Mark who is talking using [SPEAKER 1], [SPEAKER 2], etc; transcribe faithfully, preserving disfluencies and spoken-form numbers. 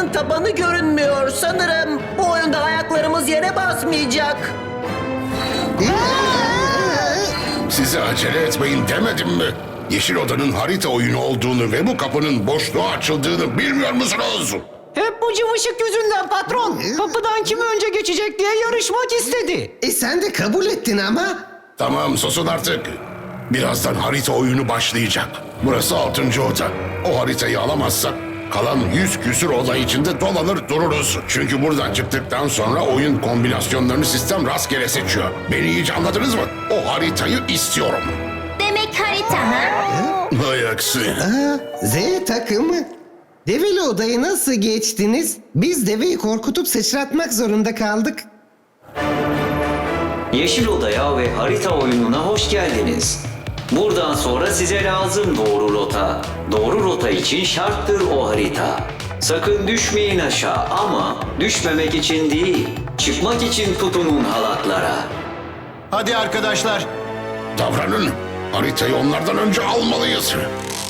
[SPEAKER 1] haritanın tabanı görünmüyor. Sanırım bu oyunda ayaklarımız yere basmayacak.
[SPEAKER 2] Size acele etmeyin demedim mi? Yeşil Oda'nın harita oyunu olduğunu ve bu kapının boşluğa açıldığını bilmiyor musunuz?
[SPEAKER 3] Hep bu cıvışık yüzünden patron. Kapıdan kim önce geçecek diye yarışmak istedi.
[SPEAKER 4] E sen de kabul ettin ama.
[SPEAKER 2] Tamam, susun artık. Birazdan harita oyunu başlayacak. Burası altıncı oda. O haritayı alamazsak kalan yüz küsür oda içinde dolanır dururuz. Çünkü buradan çıktıktan sonra oyun kombinasyonlarını sistem rastgele seçiyor. Beni iyice anladınız mı? O haritayı istiyorum.
[SPEAKER 5] Demek harita ha?
[SPEAKER 2] Hay aksi.
[SPEAKER 4] Aa, Z takımı. Develi odayı nasıl geçtiniz? Biz deveyi korkutup sıçratmak zorunda kaldık.
[SPEAKER 6] Yeşil Oda'ya ve harita oyununa hoş geldiniz. Buradan sonra size lazım doğru rota. Doğru rota için şarttır o harita. Sakın düşmeyin aşağı ama düşmemek için değil, çıkmak için tutunun halatlara.
[SPEAKER 7] Hadi arkadaşlar.
[SPEAKER 2] Davranın. Haritayı onlardan önce almalıyız.